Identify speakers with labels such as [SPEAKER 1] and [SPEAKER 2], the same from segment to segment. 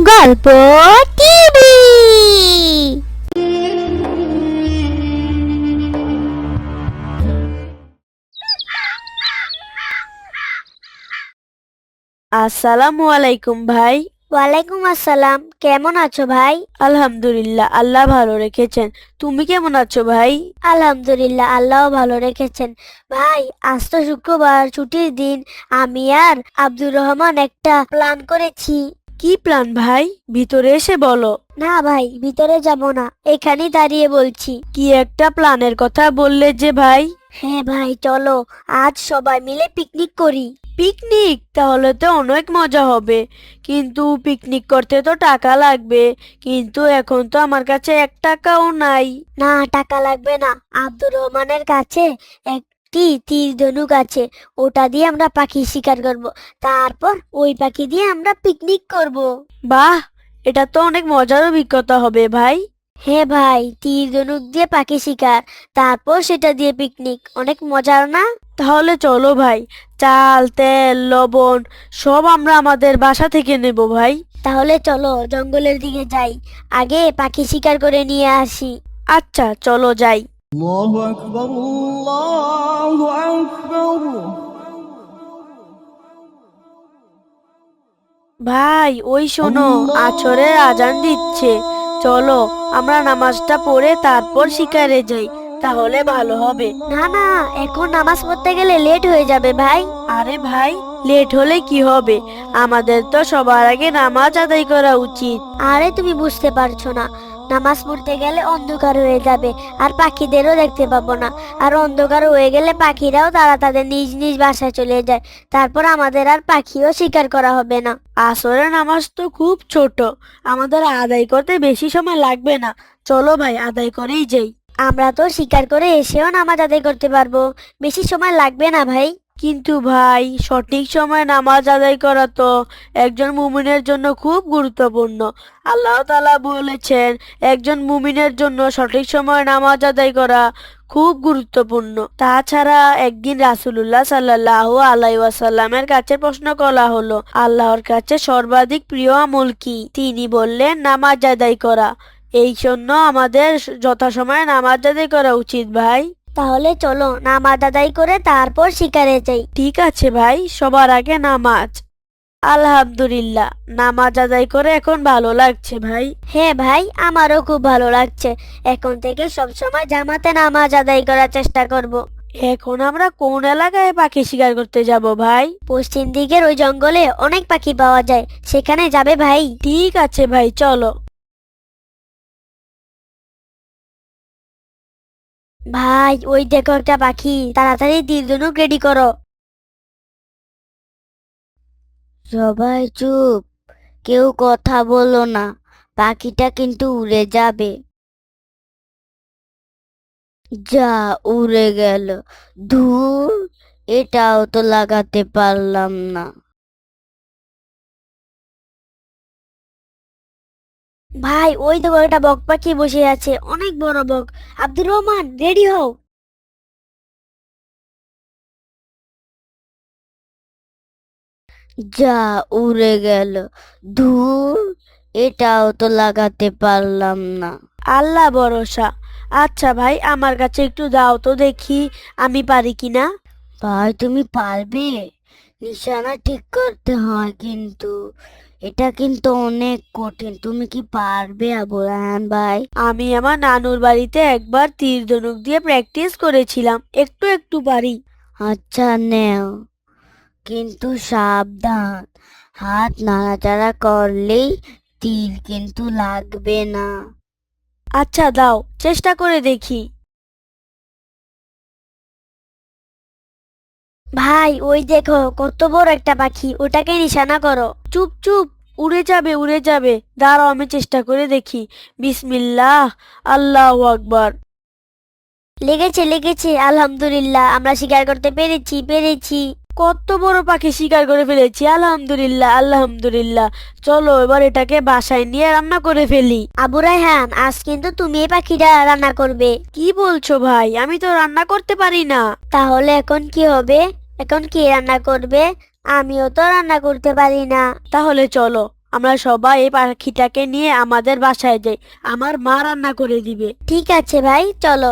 [SPEAKER 1] গল্প টিভি।
[SPEAKER 2] আসসালামু আলাইকুম ভাই।
[SPEAKER 1] ওয়ালাইকুম আসসালাম, কেমন আছো ভাই?
[SPEAKER 2] আলহামদুলিল্লাহ, আল্লাহ ভালো রেখেছেন। তুমি কেমন আছো ভাই?
[SPEAKER 1] আলহামদুলিল্লাহ, আল্লাহ ভালো রেখেছেন। ভাই, আজ তো শুক্রবার, ছুটির দিন। আমি আর আব্দুর রহমান একটা প্ল্যান করেছি।
[SPEAKER 2] কি প্ল্যান ভাই? ভিতরে এসে বলো।
[SPEAKER 1] না ভাই, ভিতরে যাব না, এখানেই দাঁড়িয়ে বলছি।
[SPEAKER 2] কি একটা প্ল্যানের কথা বললে যে ভাই?
[SPEAKER 1] হ্যাঁ ভাই, চলো আজ সবাই মিলে পিকনিক করি।
[SPEAKER 2] পিকনিক? তাহলে তো অনেক মজা হবে, কিন্তু পিকনিক করতে তো টাকা লাগবে। কিন্তু এখন তো আমার কাছে 1 টাকাও নাই।
[SPEAKER 1] না, টাকা লাগবে না। আব্দুর রহমানের কাছে একটি তীর ধনুক আছে, ওটা দিয়ে আমরা পাখি শিকার করব। তারপর ওই পাখি দিয়ে আমরা পিকনিক করব।
[SPEAKER 2] বাহ, এটা তো অনেক মজার অভিজ্ঞতা হবে ভাই।
[SPEAKER 1] হ্যাঁ ভাই, তীর ধনুক দিয়ে পাখি শিকার, তারপর সেটা দিয়ে পিকনিক, অনেক মজার না?
[SPEAKER 2] তাহলে চলো ভাই, চাল, তেল, লবণ সব আমরা আমাদের বাসা থেকে নেব ভাই।
[SPEAKER 1] তাহলে চলো জঙ্গলের দিকে যাই, আগে পাখি শিকার করে নিয়ে আসি।
[SPEAKER 2] আচ্ছা, চলো যাই।
[SPEAKER 3] الله أكبر الله أكبر
[SPEAKER 2] ভাই, ওই শোনো, আছরের আজান দিচ্ছে। চলো আমরা নামাজটা পড়ে তারপর শিকারে যাই, তাহলে ভালো হবে।
[SPEAKER 1] না না, এখন নামাজ পড়তে গেলে লেট হয়ে যাবে ভাই।
[SPEAKER 2] আরে ভাই, লেট হলে কি হবে? আমাদের তো সবার আগে নামাজ আদায় করা উচিত।
[SPEAKER 1] আরে তুমি বুঝতে পারছো না, নামাজ পড়তে গেলে অন্ধকার হয়ে যাবে, আর পাখিদেরও দেখতে পাবো না। আর অন্ধকার হয়ে গেলে পাখিরাও তারা তাদের নিজ নিজ বাসায় চলে যায়, তারপর আমাদের আর পাখিও শিকার করা হবে না।
[SPEAKER 2] আসরের নামাজ তো খুব ছোট, আমাদের আদায় করতে বেশি সময় লাগবে না। চলো ভাই, আদায় করেই যাই।
[SPEAKER 1] আমরা তো শিকার করে এসেও নামাজ আদায় করতে পারবো, বেশি সময় লাগবে না ভাই।
[SPEAKER 2] কিন্তু ভাই, সঠিক সময়ে নামাজ আদায় করা তো একজন মুমিনের জন্য খুব গুরুত্বপূর্ণ। আল্লাহ তাআলা বলেছেন, একজন মুমিনের জন্য সঠিক সময়ে নামাজ আদায় করা খুব গুরুত্বপূর্ণ। তাছাড়া একদিন রাসূলুল্লাহ সাল্লাল্লাহু আলাইহি ওয়াসাল্লামের কাছে প্রশ্ন করা হলো, আল্লাহর কাছে সর্বাধিক প্রিয় আমল কি? তিনি বললেন, নামাজ আদায় করা। এই জন্য আমাদের যথাসময়ে নামাজ আদায় করা উচিত ভাই।
[SPEAKER 1] তাহলে চলো নামাজ আদায় করে তারপর শিকারে যাই।
[SPEAKER 2] ঠিক আছে ভাই, সবার আগে নামাজ। আলহামদুলিল্লাহ, নামাজ আদায় করে এখন ভালো লাগছে ভাই।
[SPEAKER 1] হ্যাঁ ভাই, আমারও খুব ভালো লাগছে। এখন থেকে সব সময় জামাতে নামাজ আদায় করার চেষ্টা করব।
[SPEAKER 2] এখন আমরা কোন এলাকায় পাখি শিকার করতে যাব ভাই?
[SPEAKER 1] পশ্চিম দিকের ওই জঙ্গলে অনেক পাখি পাওয়া যায়, সেখানে যাবে ভাই?
[SPEAKER 2] ঠিক আছে ভাই, চলো।
[SPEAKER 1] ভাই, ওই দেখো একটা পাখি, তাড়াতাড়ি তীর ধনুক রেডি করো। সবাই চুপ, কেউ কথা বলো না, পাখিটা কিন্তু উড়ে যাবে। যা, উড়ে গেল। ধুর, এটাও তো লাগাতে পারলাম না। ভাই, ওই দেখো একটা বক পাখি বসে আছে, অনেক বড় বক। আব্দুর রহমান, রেডি হও। যা, উড়ে গেল। ধুর, এটাও তো লাগাতে পারলাম না।
[SPEAKER 2] আল্লাহ ভরসা। আচ্ছা ভাই, আমার কাছে একটু দাও তো দেখি আমি পারি কিনা।
[SPEAKER 1] ভাই, তুমি পারবে? নিশানা ঠিক করতে হয় কিন্তু, এটা কিন্তু অনেক কঠিন। তুমি কি পারবে আবু রায়হান ভাই?
[SPEAKER 2] আমি আমার নানুর বাড়িতে একবার তীর ধনুক দিয়ে প্র্যাকটিস করেছিলাম, একটু একটু পারি।
[SPEAKER 1] আচ্ছা, নেও, কিন্তু সাবধান, হাত নাড়াচাড়া করলেই তীর কিন্তু লাগবে না।
[SPEAKER 2] আচ্ছা দাও, চেষ্টা করে দেখি।
[SPEAKER 1] ভাই, ওই দেখো কত বড় একটা পাখি, ওটাকে নিশানা করো।
[SPEAKER 2] চুপ চুপ, উড়ে যাবে উড়ে যাবে। দাঁড়াও, আমি চেষ্টা করে দেখি। বিসমিল্লাহ, আল্লাহু আকবার।
[SPEAKER 1] লেগেছে লেগেছে, আলহামদুলিল্লাহ, আমরা শিকার করতে পেরেছি পেরেছি।
[SPEAKER 2] কত বড় পাখি শিকার করে ফেলেছি, আলহামদুলিল্লাহ আলহামদুলিল্লাহ। চলো এবার এটাকে বাসায় নিয়ে রান্না করে ফেলি।
[SPEAKER 1] আবু রায়হান, আজ কিন্তু তুমি এই পাখিটা রান্না করবে।
[SPEAKER 2] কি বলছো ভাই? আমি তো রান্না করতে পারি না।
[SPEAKER 1] তাহলে এখন কি হবে? এখন কে রান্না করবে? আমিও তো রান্না করতে পারি না।
[SPEAKER 2] তাহলে চলো আমরা সবাই এই পাখিটাকে নিয়ে আমাদের বাসায় যাই, আমার মা রান্না করে দিবে।
[SPEAKER 1] ঠিক আছে ভাই, চলো।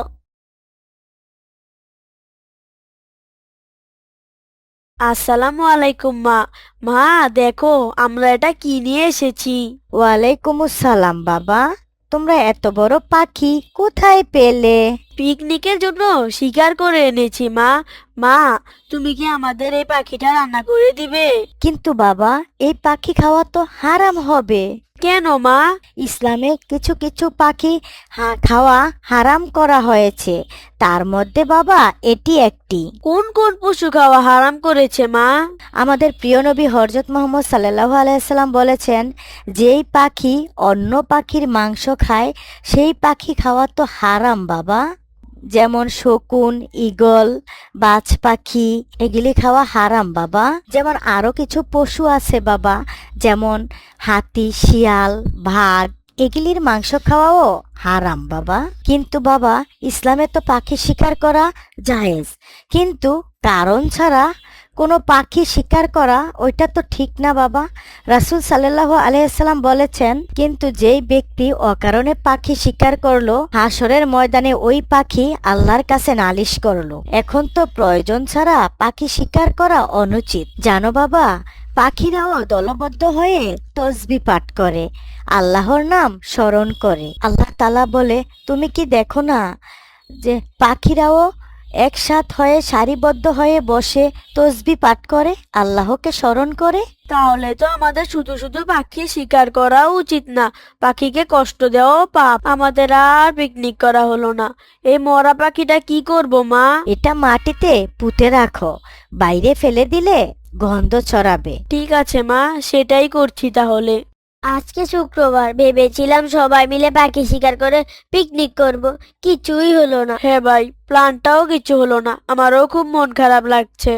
[SPEAKER 2] আসসালামু আলাইকুম মা। মা দেখো আমরা এটা কি নিয়ে এসেছি।
[SPEAKER 4] ওয়ালাইকুম আসসালাম বাবা। তোমরা এত বড় পাখি কোথায় পেলে?
[SPEAKER 2] পিকনিকের জন্য শিকার করে এনেছি মা। মা, তুমি কি আমাদের এই পাখিটা রান্না করে দিবে?
[SPEAKER 4] কিন্তু বাবা, এই পাখি খাওয়া তো হারাম হবে।
[SPEAKER 2] কেন মা?
[SPEAKER 4] ইসলামে কিছু কিছু পাখি খাওয়া হারাম করা হয়েছে, তার মধ্যে বাবা এটি একটি।
[SPEAKER 2] কোন কোন পশু খাওয়া হারাম করেছে মা?
[SPEAKER 4] আমাদের প্রিয় নবী হযরত মুহাম্মদ সাল্লাল্লাহু আলাইহি সাল্লাম বলেছেন, যেই পাখি অন্য পাখির মাংস খায় সেই পাখি খাওয়া তো হারাম বাবা। যেমন শকুন, ঈগল, বাজ পাখি, এগুলি খাওয়া হারাম বাবা। যেমন আরো কিছু পশু আছে বাবা, যেমন হাতি, শিয়াল, বাঘ, এগুলির মাংস খাওয়াও হারাম বাবা। কিন্তু বাবা, ইসলামে তো পাখি শিকার করা জায়েজ, কিন্তু কারণ ছাড়া কোনো পাখি শিকার করা ওইটা তো ঠিক না বাবা। রাসূল সাল্লাল্লাহু আলাইহি সাল্লাম বলেছেন, কিন্তু যেই ব্যক্তি অকারণে পাখি শিকার করলো, হাসরের ময়দানে ওই পাখি আল্লাহর কাছে নালিশ করলো। এখন তো প্রয়োজন ছাড়া পাখি শিকার করা অনুচিত। জানো বাবা, পাখিরাও দলবদ্ধ হয়ে তসবিহ পাঠ করে, আল্লাহর নাম স্মরণ করে। আল্লাহ তাআলা বলে, তুমি কি দেখো না যে পাখিরাও একসাথ হয়ে সারিবদ্ধ হয়ে বসে তসবিহ পাঠ করে, আল্লাহকে স্মরণ করে?
[SPEAKER 2] তাহলে তো আমাদের শুধু শুধু পাখি শিকার করা উচিত না, পাখিকে কষ্ট দেওয়াও পাপ। আমাদের আর পিকনিক করা হলো না। এই মরা পাখিটা কি করব মা?
[SPEAKER 4] এটা মাটিতে পুঁতে রাখো, বাইরে ফেলে দিলে গন্ধ ছড়াবে।
[SPEAKER 2] ঠিক আছে মা, সেটাই করছি তাহলে।
[SPEAKER 1] আজকে শুক্রবার, ভেবেছিলাম সবাই মিলে পাখি শিকার করে পিকনিক করব, কিছুই হলো না।
[SPEAKER 2] হ্যাঁ ভাই, প্ল্যানটাও কিছু হলো না, আমারও খুব মন খারাপ লাগছে।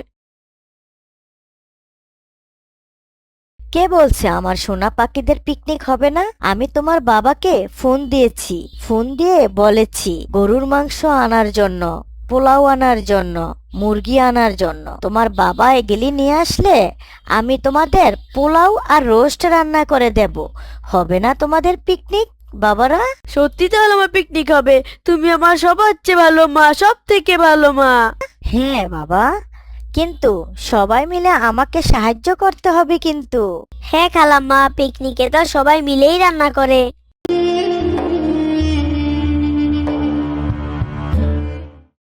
[SPEAKER 4] কে বলছে আমার সোনা পাখিদের পিকনিক হবে না? আমি তোমার বাবাকে ফোন দিয়েছি, ফোন দিয়ে বলেছি গরুর মাংস আনার জন্য, পোলাও আনার জন্য, মুরগি আনার জন্য। তোমার বাবা এগুলি নিয়ে আসলে আমি তোমাদের পোলাও আর রোস্ট রান্না করে দেব। হবে না তোমাদের পিকনিক বাবারা?
[SPEAKER 2] সত্যি তাহলে আমার পিকনিক হবে? তুমি আমার সবার চেয়ে ভালো মা, সব থেকে ভালো মা।
[SPEAKER 4] হ্যাঁ বাবা, কিন্তু সবাই মিলে আমাকে সাহায্য করতে হবে কিন্তু।
[SPEAKER 1] হ্যাঁ খালাম্মা, পিকনিকে তো সবাই মিলেই রান্না করে।